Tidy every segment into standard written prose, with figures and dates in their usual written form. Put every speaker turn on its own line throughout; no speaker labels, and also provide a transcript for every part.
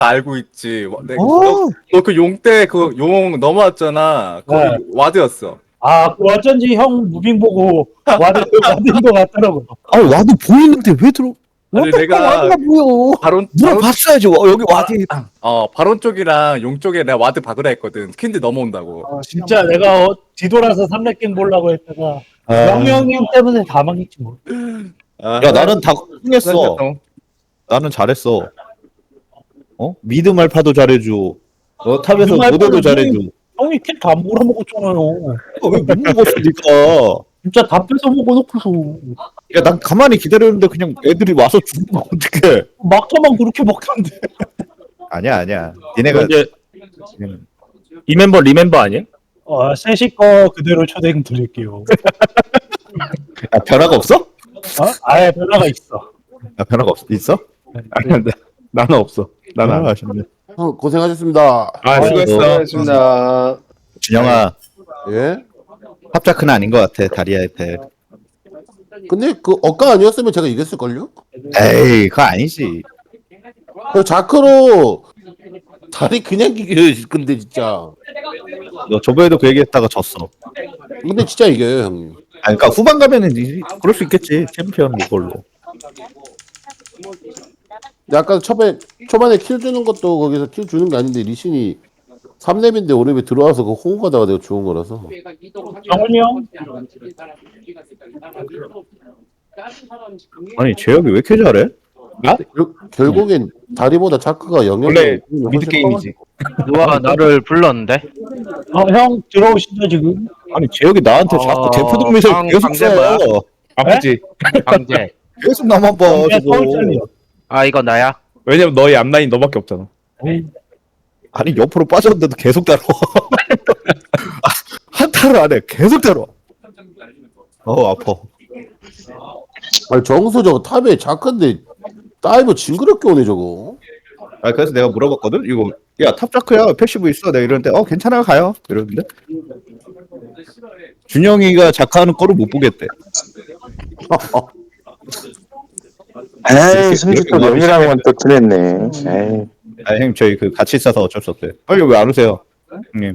알고 있지.
어?
너 그 용 때 그 용 넘어왔잖아. 거기
네.
와드였어.
아, 그 어쩐지 형 무빙 보고 와드인 것 같더라고요.
아 와드 보이는데 왜 들어?
아니,
어떻게
내가
와드가 보여?
바론
물어봤어야지. 여기 와드.
바론 쪽이랑 용 쪽에 내가 와드 박으라 했거든. 스킨들 넘어온다고.
진짜 내가 뒤돌아서 3렙갱 보려고 했다가 영영이 형 때문에 다 망했지 뭐.
야 나는 다 흥했어. 나는 잘했어. 미드 말파도 잘해줘. 탑에서
미드 말파는
모델도 잘해줘.
형이 킬다 몰아먹었잖아요.
왜못 먹었어 니가?
진짜 다 뺏어 먹어놓고서
야 난 가만히 기다렸는데 그냥 애들이 와서 죽으면 어떡해?
막타만 그렇게 먹던데.
아니야. 니네가
이제 리멤버 아니야?
셋이 거 그대로 초대행 드릴게요.
변화가 없어?
아예 변화가 있어.
변화가 있어?
아니, 나는 없어. 나는 안.
아쉽네.
고생하셨습니다.
수고했어.
수고하셨습니다.
준영아
예?
합자크는 아닌 것 같아 다리아의 패.
근데 그 억가 아니었으면 제가 이겼을걸요?
에이 그거 아니지.
그 자크로 다리 그냥 이겨요. 근데 진짜.
너 저번에도 그 얘기했다가 졌어.
근데 진짜 이겨요, 형님.
그러니까 후반 가면은 그럴 수 있겠지. 챔피언 이걸로.
약간 초반에 킬 주는 것도 거기서 킬 주는 게 아닌데 리신이 3렙인데 5렙에 들어와서 그 호응 가다가 내가 죽은 거라서.
정훈이 형?
아니 제혁이 왜 이렇게 잘해?
결국엔 다리보다 자크가 영역이
원래 미드 게임이지.
누가 나를 불렀는데?
형 들어오시죠 지금?
아니 제혁이 나한테 자꾸 대포동 미사일 계속
강제야?
쏴요.
아프지?
강제.
계속 나만 봐 저거.
아 이거 나야?
왜냐면 너희 앞라인 너밖에 없잖아.
아니 옆으로 빠졌는데도 계속 따라와. 한타를 안 해. 계속 따라와. 아파.
아니 정수 저거 탑에 자크인데 다이브 징그럽게 오네 저거.
그래서 내가 물어봤거든. 이거 야 탑자크야 패시브 있어. 내가 이러는데 괜찮아요 가요. 이러는데 준영이가 자크하는 거를 못 보겠대.
에이, 승주 또 영이랑은 또 틀렸네. 에이.
형님 저희 그 같이 있어서 어쩔 수 없어요. 빨리 왜 안 오세요, 형님?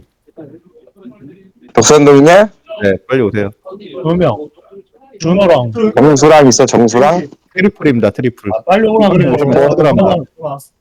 독산동이냐?
네, 빨리 오세요.
2명. 준호랑.
정수랑 있어, 정수랑?
트리플입니다, 트리플.
빨리 오라 그래.
하더라고.